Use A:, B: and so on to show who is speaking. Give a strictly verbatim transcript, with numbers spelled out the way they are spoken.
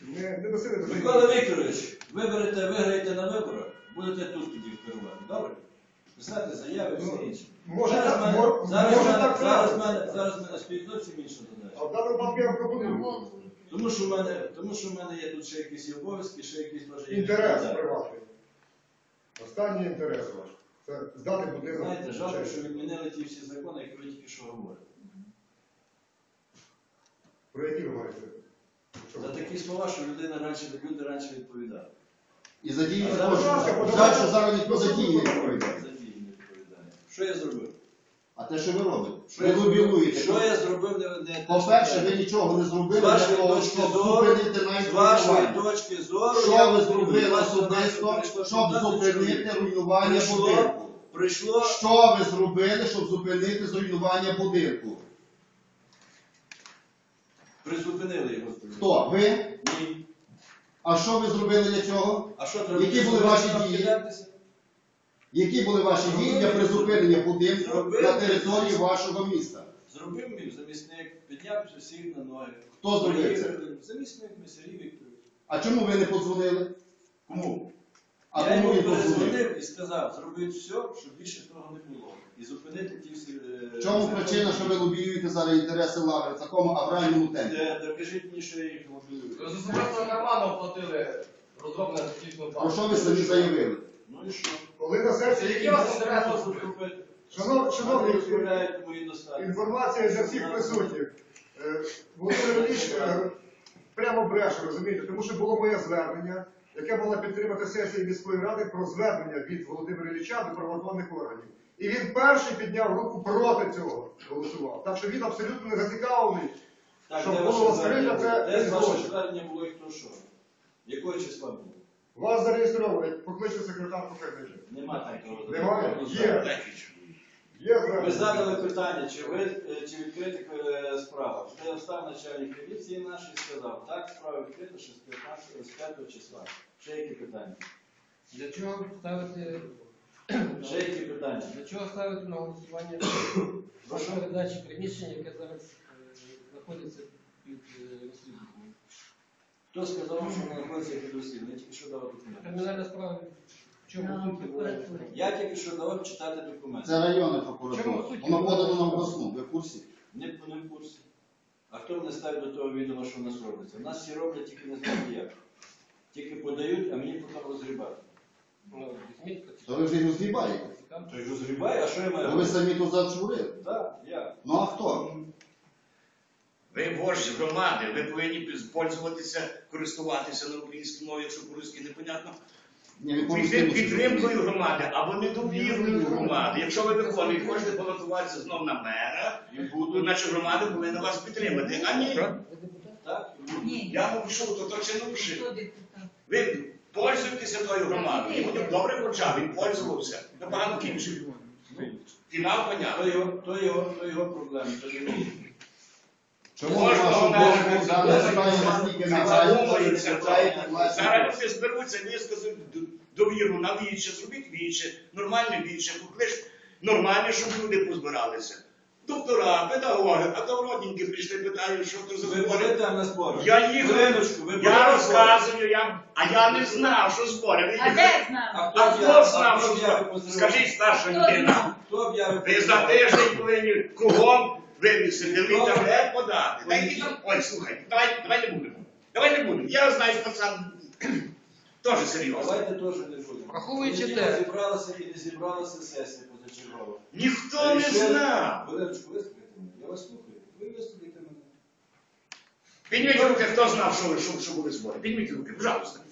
A: Не, не носили до
B: Микола Вікторович, виберете, виграєте на виборах, будете тут тоді керувати. Добре? Писати заяви, все інше.
A: Може
B: Зараз
A: так,
B: мене,
A: мор-
B: зараз,
A: може
B: мене,
A: так
B: зараз,
A: трапиться.
B: мене, зараз мене стоїть зовсім інша задача.
A: А в даному випадку я пропоную.
B: Тому що, в мене, тому що в мене є тут ще якісь обов'язки, ще якісь теж є.
A: Інтерес
B: відповідальність.
A: приватний. Останній інтерес ваш. Це здати будинок.
B: Знаєте, жалко,
A: честь.
B: що відмінили ті всі закони, які ви тільки що говорите.
A: Про які ви маєте? Що?
B: За такі слова, що людина раніше, люди раніше відповідали.
C: І за дії
B: А
C: також.
B: зараз-
C: Жаль, що зараз ніхто за дії не відповідає.
B: За дії не відповідає. Що я зробив?
C: А те, що ви робите?
B: Що
C: Ви
B: я зробив?
C: лобілуєте.
B: Що я зробив? Не, не
C: По-перше, ви нічого не зробили
B: З
C: для
B: вашої
C: того,
B: точки
C: щоб
B: зору,
C: зупинити навіть
B: з вашої
C: руйнування.
B: точки зору,
C: Що
B: я
C: ви
B: пропоную.
C: зробили
B: Вас
C: особисто,
B: прийшло
C: щоб
B: п'ятнадцять
C: зупинити
B: чоловік.
C: руйнування
B: Прийшло,
C: будинку?
B: прийшло,
C: Що ви зробили, щоб зупинити зруйнування будинку?
B: призупинили його.
C: Хто? Ви?
B: Ні.
C: А що ви зробили для цього?
B: А що треба?
C: Які були ваші
B: Нам
C: дії?
B: кидатися?
C: Які були ваші дії для призупинення будинку
B: Зробили.
C: на території вашого міста?
B: Зробив мій замісник, підняв всіх на ноги.
C: Хто зробив це?
B: Приїхали. Замісник Мисарій Вікторович.
C: А чому ви не подзвонили?
B: Кому?
C: А
B: Я
C: кому
B: йому
C: він подзвонив?
B: перезвонив і сказав, зробити все, щоб більше того не було. І зупинити ті всі... е,
C: В чому
B: закони.
C: причина, що ви лобіюєте зараз інтереси лаври в такому авральному темпі?
B: Е, Докажіть мені, що я їх мобілюю.
D: З особистого карману оплатили розроблення технічного
C: Про що ви самі заявили?
B: Ну і що?
A: Коли на сесії...
D: Які у вас
B: Що
D: інтереси
B: можу
D: зробити?
B: зробити?
A: Шанов- Шановні,
B: Вони розправляють мої достатки.
A: інформація для всіх присутніх. Е, Володимир Ілліч е, прямо бреше, розумієте, тому що було моє звернення, яке мало підтримати сесію міської ради про звернення від Володимира Ілліча до правоохоронних органів. І він перший підняв руку проти цього, голосував. Так що він абсолютно не зацікавлений,
B: Так,
A: щоб
B: де
A: було
B: ваше
A: розкрито
B: звернення?
A: це
B: Де
A: і
B: ваше
A: злочин.
B: звернення було і хто що? Якого числа було?
A: Вас зареєстровано, як покличе секретар покажи.
B: Нема такого.
A: Немає? Є. Є
B: Ви
A: звернення.
B: задали питання, чи, ви, е, чи відкрита е, справа. Це встав начальник поліції наш і сказав, так, справа відкрита ще з п'ятнадцятого, з п'ятого числа. Ще які питання?
E: Для чого ставити
B: Ще які питання?
E: для чого ставити на голосування
B: Прошу?
E: передачі приміщення, яке зараз е, знаходиться під е, розслідуванням?
B: Хто сказав, що вона знаходиться під розслідуванням? Я тільки що давав документи.
E: Кримінальна справа в чому суті була?
B: Я тільки що давав читати документи.
C: Це районна
E: Чому
C: прокуратура.
E: суті?
C: Воно подано на обласну. Ви в курсі?
B: Не, не в курсі. А хто мене ставить до того відома, що в нас робиться? У нас всі роблять, тільки не знають як. Тільки подають, а мені потім розгрібати.
E: Ну, візьміть,
C: То ви вже й розгрібаєте.
E: поцікавте.
B: То й розгрібаю, а що я маю
C: То ви
B: робити?
C: самі тут зачурили.
B: Так, я.
C: Ну а хто?
F: Ви вождь громади, ви повинні пользуватися, користуватися на українській мові, якщо по-русски непонятно.
C: Ні, ви
F: Під-
C: по-русски
F: Підтримкою громади або недовірою громади. Якщо ви виконуєте, хочете балотуватися знов на мера,
B: І
F: то
B: буду.
F: наша громада повинна вас підтримати. А ні,
E: Ви депутат?
B: Так, і буду.
G: Ні,
F: я мовчу, то то чи не вши.
G: хто депутат?
F: Ви пользуєтеся тою громадою. Йому добре почав, він пользувався. Набагато кінчив. Фінал
B: То
F: понятно.
B: його, то його, то його проблеми, то не мої.
C: Чому
F: Кожного
C: на вашу
F: мера
C: думку дане питання настільки
F: Задумується,
C: нагадує?
F: зараз вони зберуться, висказують довіру на віче, зробіть віче, нормальне віче, поклич нормальне, щоб люди позбиралися. Доктора, педагоги, а то родненькі прийшли, питають, що то за
B: Ви
F: збори.
B: були там на зборах?
F: Я їх,
B: Хвилиночку, ви були
F: я
B: на
F: розказую, я, а я не знав, що збори. Ви
G: А
F: їх-
G: де знав?
B: А
F: А
B: хто
F: хто
B: об'яв-
F: знав,
B: а
F: що
B: хто об'явив
F: збори?
B: позивача?
F: Скажіть, старша
G: Хто
F: людина.
G: знав?
B: Хто об'явив
F: Ви за
B: позивача?
F: тиждень повинні кругом вивісити, в
B: Хто?
F: інтернет подати. Та
B: Ой,
F: йдіть там- Ой, слухай, давай, давай не будемо. Давай не будемо. Я знаю, що пацан теж серйозно.
B: Давайте теж не будемо.
E: Враховуючи
B: Неділя
E: те-
B: зібралася і не зібралася сесія позачергова.
F: Ніхто не знав.
B: Хвилиночку, вислухайте мене. Я вас слухаю. Ви вислухайте мене.
F: Підніміть руки, хто знав, що, що, що були збори. Підніміть руки, пожалуйста.